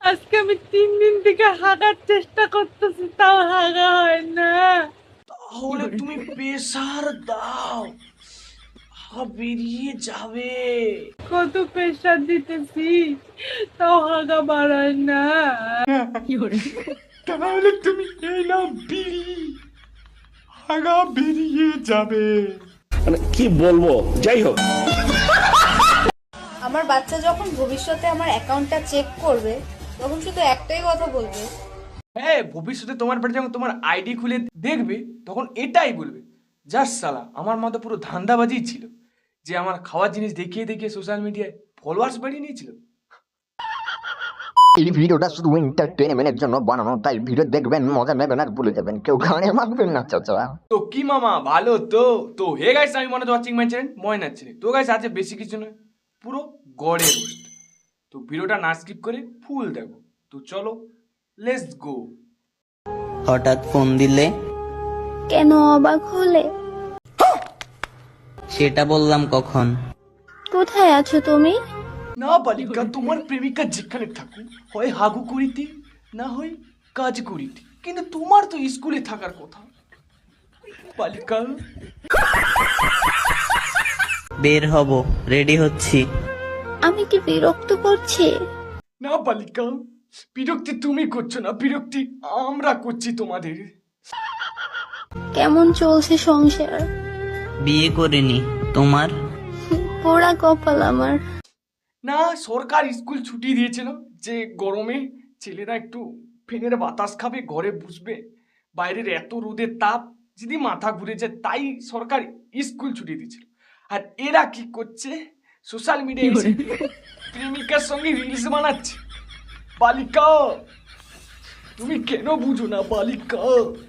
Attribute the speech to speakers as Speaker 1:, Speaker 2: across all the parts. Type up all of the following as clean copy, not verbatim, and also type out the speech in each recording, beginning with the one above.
Speaker 1: আজকে আমি 3 দিন থেকে হাগার চেষ্টা করতেছি, তাও হাগা হয় না।
Speaker 2: তাহলে তুমি প্রেসার দাও, বেরিয়ে যাবে।
Speaker 1: কত প্রেশার দিতেছি, তাও হাগা বাড়ায় না।
Speaker 2: তাহলে তুমি এই নাও বিড়ি, হাগা বেরিয়ে যাবে।
Speaker 3: মানে কি বলবো, যাই হোক।
Speaker 4: আমার বাচ্চা যখন ভবিষ্যতে আমার অ্যাকাউন্টটা চেক করবে তখন শুধু একটাই কথা বলবে,
Speaker 2: হ্যাঁ, ভবিষ্যতে তোমার বাড়ি যখন তোমার আইডি খুলে দেখবে তখন এটাই বলবে, যাস সালা আমার মতো পুরো ধান্দাবাজি ছিল, যে আমার খাওয়ার জিনিস দেখিয়ে দেখিয়ে সোশ্যাল মিডিয়ায় ফলোয়ার্স বাড়িয়ে নিয়েছিল।
Speaker 5: এই ভিডিওটা শুধু এন্টারটেইনমেন্টের জন্য বানানো, তাই ভিডিও দেখবেন, মজা নেবেন আর ভুলে যাবেন, কেউ গানে মারবেন না চাচা।
Speaker 2: তো কি মামা, ভালো তো? তো হে গাইস, আমি মনে ওয়াচিং মাই চ্যানেল ময়নার ছেলে। তো গাইস আজকে বেশি কিছু নয়, পুরো গড়ের রোস্ট। তো ভিডিওটা না স্কিপ করে ফুল দেখো। তো চলো, লেটস গো।
Speaker 6: হঠাৎ ফোন দিলে
Speaker 7: কেন অবাক হলে?
Speaker 6: সেটা বললাম কখন?
Speaker 7: কোথায় আছো তুমি?
Speaker 2: না বালিকা, তোমার প্রেমিকা যেখানে থাকুক, হয় হাগু করিতে না হয় কাজ করিতে, কিন্তু তোমার তো স্কুলে থাকার কথা বালিকা।
Speaker 6: বের হব, রেডি হচ্ছি।
Speaker 7: আমি কি বিরক্ত করছি?
Speaker 2: না বালিকা, বিরক্তি তুমি করছো না, বিরক্তি আমরা করছি তোমাদের।
Speaker 7: কেমন চলছে সংসার?
Speaker 6: বিয়ে করিনি, তোমার?
Speaker 7: পোড়া কপাল আমার।
Speaker 2: না, সরকার স্কুল ছুটি দিয়েছিল যে গরমে ছেলেরা একটু ফ্যানের বাতাস খাবে, ঘরে বসবে, বাইরের এত রোদের তাপ যদি মাথা ঘুরে যায়, তাই সরকার স্কুল ছুটি দিয়েছিল। আর এরা কি করছে, সোশ্যাল মিডিয়ায় এসে প্রেমিকার সঙ্গে রিলস বানাচ্ছে। বালিকা, তুমি কেন বুঝো না বালিকা?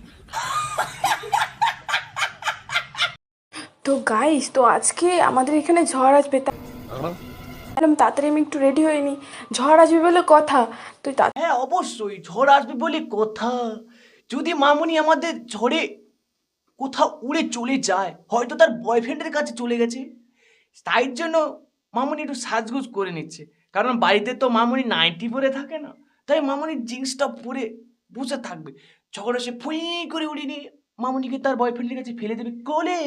Speaker 8: তো গাইস, তো আজকে আমাদের এখানে ঝড় আসবে, তাড়াতাড়ি আমি একটু রেডি হইনি, ঝড় আসবে বলে কথা। তুই
Speaker 2: হ্যাঁ অবশ্যই ঝড় আসবে বলে কথা। যদি মামুনি আমাদের ঝড়ে কোথাও উড়ে চলে যায়, হয়তো তার বয়ফ্রেন্ডের কাছে চলে গেছে, তাই জন্য মামুনি একটু সাজগুজ করে নিচ্ছে। কারণ বাড়িতে তো মামুনি নাইটি পরে থাকে না, তাই মামুনি জিন্সটা পরে বসে থাকবে। ঝড় এসে ফুই করে উড়িয়ে নিয়ে মামুনিকে তার বয়ফ্রেন্ডের কাছে ফেলে দেবে কোলে।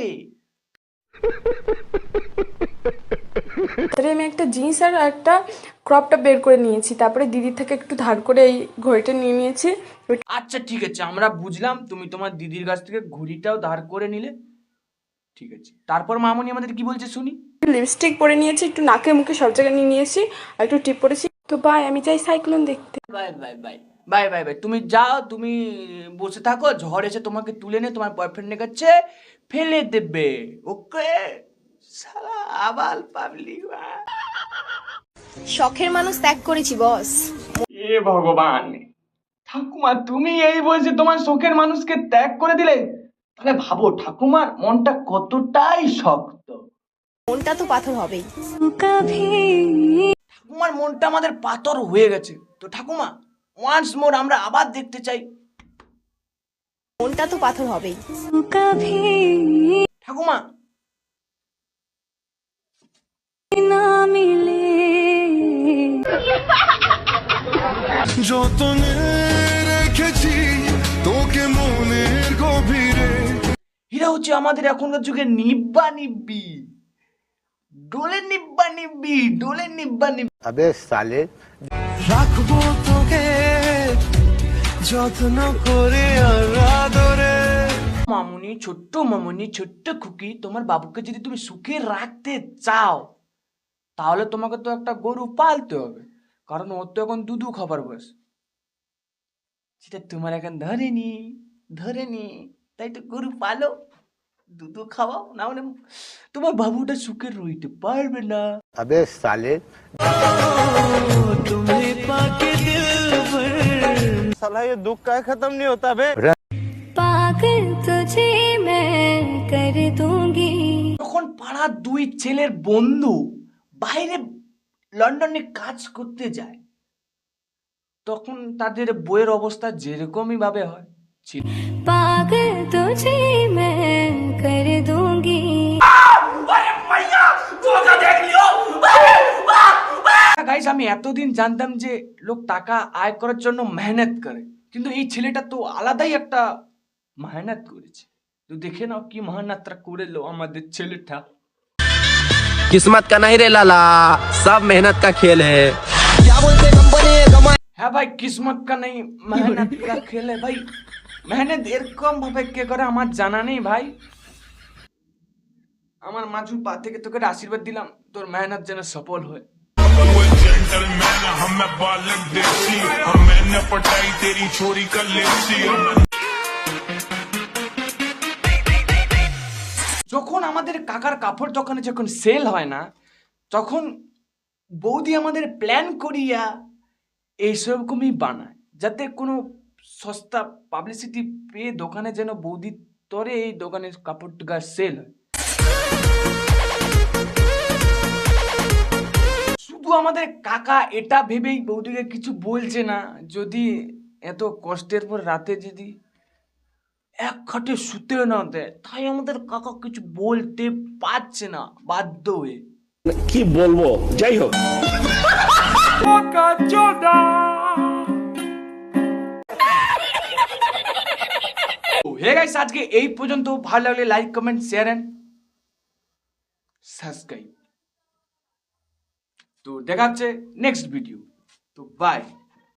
Speaker 8: তাড়াতাড়ি আমি একটা জিন্স আর একটা ক্রপটা বের করে নিয়েছি, তারপরে দিদির থেকে একটু ধার করে এই ঘড়িটা নিয়ে নিয়েছি।
Speaker 2: আচ্ছা ঠিক আছে, আমরা বুঝলাম, তুমি তোমার দিদির কাছ থেকে ঘড়িটাও ধার করে নিলে, ঠিক আছে। তারপর মামুনি আমাদের কি বলছে শুনি।
Speaker 8: লিপস্টিক পরে নিয়েছি, একটু নাকে মুখে সব জায়গায় নিয়ে নিয়েছি, আর একটু টিপ পরেছি। তো বাই, আমি চাই সাইক্লোন দেখতে।
Speaker 2: Bye bye bye bye bye bye. তুমি যাও, তুমি বসে থাকো, ঝড় এসে তোমাকে তুলে নিয়ে তোমার বয়ফ্রেন্ডের কাছে ফেলে দেবে। ওকে সালা আবাল পাবলিক।
Speaker 4: শখের মানুষ ত্যাগ করেছি বস।
Speaker 2: এ ভগবান, ঠাকুমা তুমি এই বয়সে তোমার শখের মানুষকে ত্যাগ করে দিলে, তাহলে ভাবো ঠাকুমার মনটা কতটাই শক্ত।
Speaker 4: মনটা তো পাথর হবেই।
Speaker 2: ঠাকুমার মনটা আমাদের পাথর হয়ে গেছে। তো ঠাকুমা, ওয়ান্স মোর আমরা আবার দেখতে চাই।
Speaker 4: মনটা তো পাথর হবেই।
Speaker 2: ঠাকুমা,
Speaker 9: যতনে রেখেছি তোকে মনের গভীরে।
Speaker 2: এরা হচ্ছে আমাদের এখনকার যুগে নিব্বা নিব্বি, ডোলে নিব্বা নিব্বি, ডোলে নিব্বা নিব্বি।
Speaker 5: আবে সালে,
Speaker 9: রাখবো তোকে যত্ন করে আর আদরে।
Speaker 2: মামুনি, ছোট্ট মামুনি, ছোট্ট খুকি, তোমার বাবুকে যদি তুমি সুখে রাখতে চাও, তাহলে তোমাকে তো একটা গরু পালতে হবে, কারণ ওর তো এখন দুধু খাবার বয়স। সেটা তোমার এখন ধরেনি, তাই তো গরু পালো, দুধু খাওয়াও, না হলে তোমার বাবুটা সুখে রইতে পারবে না।
Speaker 5: আবে সালে,
Speaker 9: তুমি পাকে দিল ভর।
Speaker 5: साला ये दुख का खत्म नहीं होता बे।
Speaker 7: পাগল তুঝে मैं कर दूंगी।
Speaker 2: যখন পাড়ার দুই ছেলের বন্ধু বাইরে লন্ডনে কাজ করতে যায়, তখন তাদের বইয়ের অবস্থা যেরকমই ভাবে হয়,
Speaker 7: পাগল তুঝে मैं कर दूंगी।
Speaker 2: গাইস আমি এতদিন জানতাম যে লোক টাকা আয় করার জন্য মেহনত করে, কিন্তু এই ছেলেটা তো আলাদাই একটা মেহনত করেছে। তো দেখে নাও কি মেহনতটা করলো আমাদের ছেলেটা।
Speaker 10: किस्मत का नहीं रे लाला, सब मेहनत का खेल है।
Speaker 2: হ্যাঁ ভাই, কিসমত কা নেই মেহনত কা খেল है ভাই। মেহনত এরকম ভাবে কে করে আমার জানা নেই ভাই। আমার মাজু পা থেকে তোকে আশীর্বাদ দিলাম, তোর মেহনত যেন সফল হয়। যখন আমাদের কাকার কাপড় দোকানে যখন সেল হয় না, তখন বৌদি আমাদের প্ল্যান করিয়া এইসবকমই বানায়, যাতে কোনো সস্তা পাবলিসিটি পেয়ে দোকানে যেন বৌদি তরে এই দোকানের কাপড়টা সেল হয়। শুধু আমাদের কাকা এটা ভেবেই বৌদিকে কিছু বলছে না, যদি এত কষ্টের পর রাতে যদি এক খাটে শুতে না দেয়, তাই আমাদের কাকা কিছু বলতে পারছে না বাধ্য হয়ে।
Speaker 3: কি বলবো, যাই হোক।
Speaker 2: হে গাইস, আজকে এই পর্যন্ত। ভালো লাগলে like, comment, share and subscribe. তো দেখা হচ্ছে নেক্সট ভিডিও। তো বাই।